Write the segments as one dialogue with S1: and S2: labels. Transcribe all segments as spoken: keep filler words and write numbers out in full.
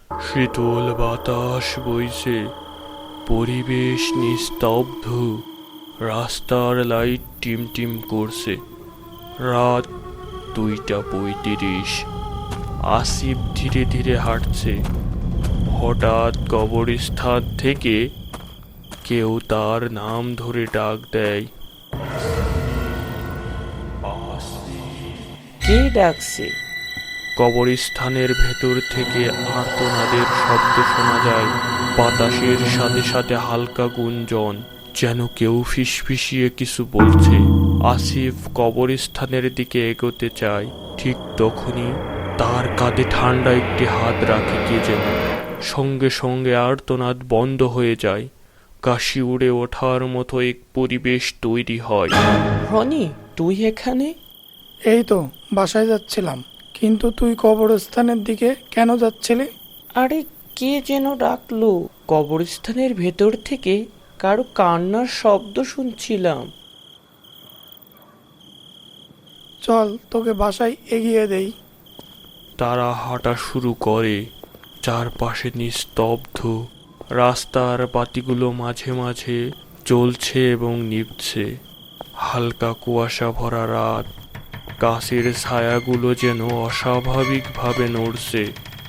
S1: শীতল বাতাস বইছে, পরিবেশ নিস্তব্ধ, রাস্তার লাইট টিম টিম করছে। রাত দুইটা পঁয়ত্রিশ। আসিফ ধীরে ধীরে হাঁটছে। হঠাৎ কবরস্থান থেকে কেউ তার নাম ধরে ডাক দেয়।
S2: কে ডাকছে?
S1: কবরস্থানের ভেতর থেকে আর্তনাদের শব্দ শোনা যায়। বাতাসের সাথে সাথে হালকা গুঞ্জন, যেন কেউ ফিসফিসিয়ে কিছু বলছে। আসিফ কবরস্থানের দিকে এগোতে চায়, ঠিক তখনই তার কাঁধে ঠান্ডা একটি হাত রাখে কে যেন। সঙ্গে সঙ্গে আর্তনাদ বন্ধ হয়ে যায়। কাশি উড়ে ওঠার মতো এক পরিবেশ তৈরি হয়।
S2: রনি, তুই এখানে?
S3: এই তো বাসায় যাচ্ছিলাম, কিন্তু তুই কবরস্থানের দিকে কেন যাচ্ছিলি?
S2: আরে, কে যেন ডাকলো। কবরস্থানের ভেতর থেকে কারো কান্নার শব্দ শুনছিলাম।
S3: চল তোকে বাসায় এগিয়ে দেই।
S1: তারা হাঁটা শুরু করে। চারপাশে নিস্তব্ধ। রাস্তার বাতিগুলো মাঝে মাঝে জ্বলছে এবং নিভছে। হালকা কুয়াশা ভরা রাত। গাছের ছায়াগুলো যেন অস্বাভাবিকভাবে নড়ছে।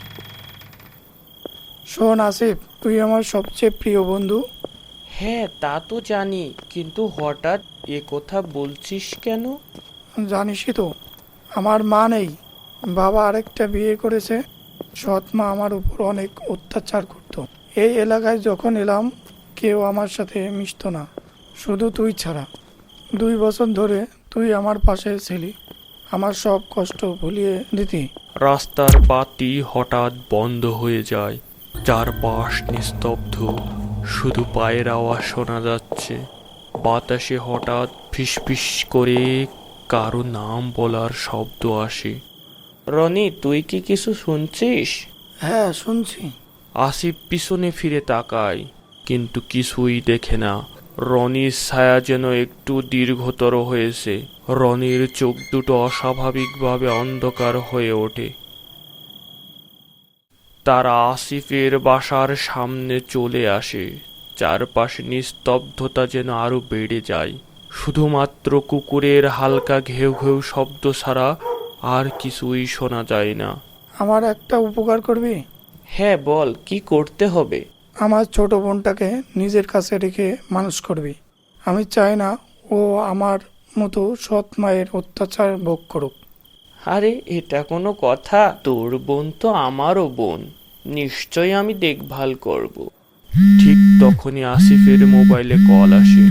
S3: শোন আসিফ, তুই আমার সবচেয়ে প্রিয় বন্ধু।
S2: হ্যাঁ, তা তো জানি, কিন্তু হঠাৎ এ কথা বলছিস কেন?
S3: জানিসই তো, আমার মা নেই। বাবা আরেকটা বিয়ে করেছে। সৎ মা আমার উপর অনেক অত্যাচার করতো। এই এলাকায় যখন এলাম, কেউ আমার সাথে মিশতো না, শুধু তুই ছাড়া। দুই বছর ধরে তুই আমার পাশে ছিলি, আমার সব কষ্ট ভুলিয়ে দিতি।
S1: রাস্তার বাতি হঠাৎ বন্ধ হয়ে যায়। চারপাশ নিস্তব্ধ, শুধু পায়ের আওয়াজ শোনা যাচ্ছে। বাতাসে হঠাৎ ফিসফিস করে কারো নাম বলার শব্দ আসে।
S2: রনি, তুই কি কিছু শুনছিস?
S3: হ্যাঁ, শুনছি।
S1: আসিফ পিছনে ফিরে তাকায়, কিন্তু কিছুই দেখে না। রনির ছায়া যেন একটু দীর্ঘতর হয়েছে। রনির চোখ দুটো অস্বাভাবিকভাবে অন্ধকার হয়ে ওঠে। তারা আসিফের বাসার সামনে চলে আসে। চারপাশে নিস্তব্ধতা যেন আরো বেড়ে যায়। শুধুমাত্র কুকুরের হালকা ঘেউ ঘেউ শব্দ ছাড়া আর কিছুই শোনা যায় না।
S3: আমার একটা উপকার করবি?
S2: হ্যাঁ, বল, কি করতে হবে?
S3: আমার ছোট বোনটাকে নিজের কাছে রেখে মানুষ করবি। আমি চাই না ও আমার মতো সৎ মায়ের অত্যাচার ভোগ করুক।
S2: আরে, এটা কোনো কথা? তোর বোন তো আমারও বোন, নিশ্চয়ই আমি দেখভাল করব।
S1: ঠিক তখনই আসিফের মোবাইলে কল আসে।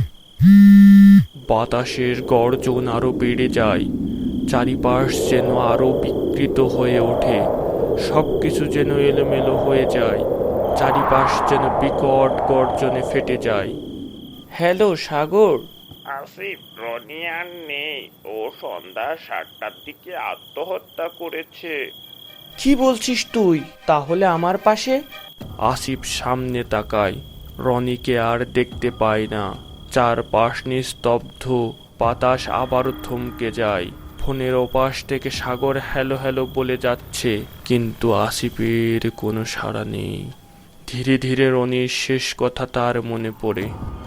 S1: বাতাসের গর্জন আরো বেড়ে যায়। চারিপাশ যেন আরো বিকৃত হয়ে ওঠে। সবকিছু যেন এলোমেলো হয়ে যায়। চারিপাশ যেন বিকট গর্জনে ফেটে যায়।
S2: হ্যালো সাগর।
S4: আসিফ, রনি আর নেই। ও সন্ধ্যা সাতটার দিকে আত্মহত্যা করেছে।
S2: কি বলছিস তুই? তাহলে আমার পাশে?
S1: আসিফ সামনে তাকায়। রনিকে আর দেখতে পায় না। চারপাশ নিস্তব্ধ। বাতাস আবারও থমকে যায়। ফোনের ওপাশ থেকে সাগর হ্যালো হ্যালো বলে যাচ্ছে, কিন্তু আসিফের কোনো সাড়া নেই। ধীরে ধীরে রনির শেষ কথা তার মনে পড়ে।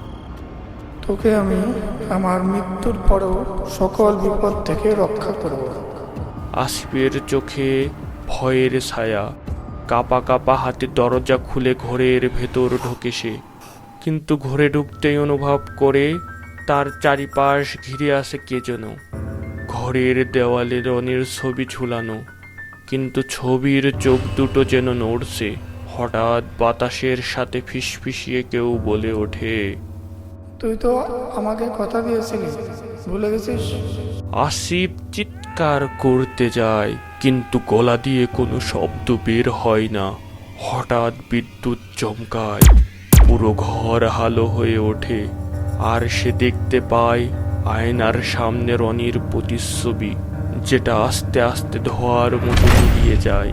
S3: তোকে আমি আমার মৃত্যুর পরেও সকল বিপদ থেকে রক্ষা করব।
S1: আসিফের চোখে ভয়ের ছায়া। কাপা কাপা হাতে দরজা খুলে ঘরের ভেতর ঢোকে সে। কিন্তু ঘরে ঢুকতেই অনুভব করে তার চারিপাশ ঘিরে আসে কে যেন। ঘরের দেওয়ালে রনির ছবি ঝুলানো, কিন্তু ছবির চোখ দুটো যেন নড়ছে। হঠাৎ বাতাসের সাথে ফিসফিসিয়ে কেউ বলে ওঠে,
S3: তুই তো আমাকে কথা দিয়েছিলি, ভুলে গেছিস?
S1: আসিফ চিৎকার করতে যায়, কিন্তু গলা দিয়ে কোনো শব্দ বের হয় না। হঠাৎ বিদ্যুৎ চমকায়। পুরো ঘর আলো হয়ে ওঠে। আর সে দেখতে পায় আয়নার সামনে রনির প্রতিচ্ছবি, যেটা আস্তে আস্তে ধোঁয়ার মতো মিলিয়ে যায়।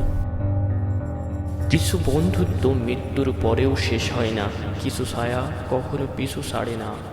S2: কিছু বন্ধুত্ব মৃত্যুর পরেও শেষ হয় না, কিছু ছায়া কখনো পিছু ছাড়ে না।